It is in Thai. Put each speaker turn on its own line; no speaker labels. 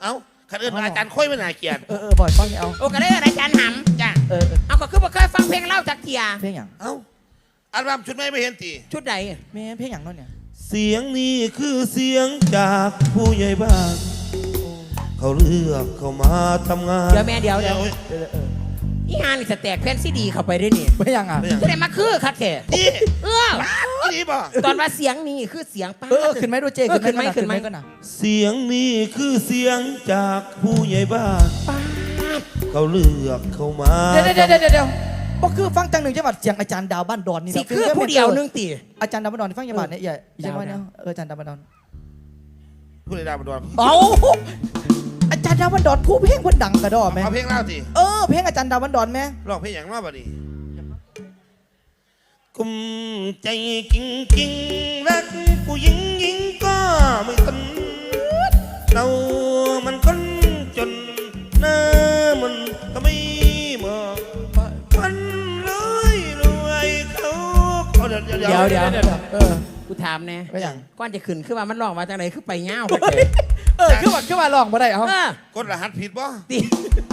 เอ้าคันอื่นอาจารย์ค่อยไม่น่าเกลียด
บ่อยฟังเอา
โอ้ก็ได้อาจารย์หำจ้ะเอาก็คือบ่เคยฟังเพลงเล่าจากเกีย
เพลงอย่าง
เอ้าอัลบั้มชุดไม่เห็นตี
ชุดใด
แม่เพลงอย่างนั้นเนี่ย
เสียงนี้คือเสียงจากผู้ใหญ่บ้านเขาเลือกเขามาทำงาน
เดี๋ยวแม่เดี๋ยวอีงานนี่สแต็กแผ่นซีดีเข้าไปได้นี่
ไม่ยังอ่ะ
จะได้มาคือคักแท้
นี่นี่บ่
ตอนว่าเสียงนี่คือเสียงป้า
ขึ้นไหมดูเจขึ้นไหมก็น่ะ
เสียงนี้คือเสียงจากผู้ใหญ่บ้านเขาเลือกเขามา
เดี๋ยวก็คือฟังจังหนึ่งจังหวัดเสียงอาจารย์ดาวบ้านดอนนี่
สิคือผู้เดียวนึงตี
อาจารย์ดาวบ้านดอนฟังจังหวัดเนี่ยใช่ไหมเนี่ยอาจารย์ดาวบ้านดอน
ผู้ใดดาวบ้านดอน
เอาอาจารย์ดาวบ้านดอนผู้เพลงคนดังกระดอไหม
เอาเพลงเล่าสิ
เพลงอาจารย์ดาวบ้านดอนไหม
ร้องเพลงอย่างว่าบ่ดีกุมใจกิ้งกิ้งรักผู้หญิงหญิงก็ไม่สนเรามันคนจนหน้ามันก็ไม่เหมาะมันเลยรวยเขาเดี๋
ยวกูถามแน่
ไม่อย่าง
ก้อนจะขึ้นคือว่ามันร้องมาจากไหนคือไปเงา
คือว่าลองมาได้เอา
กดรหัสผิดบ่
ตี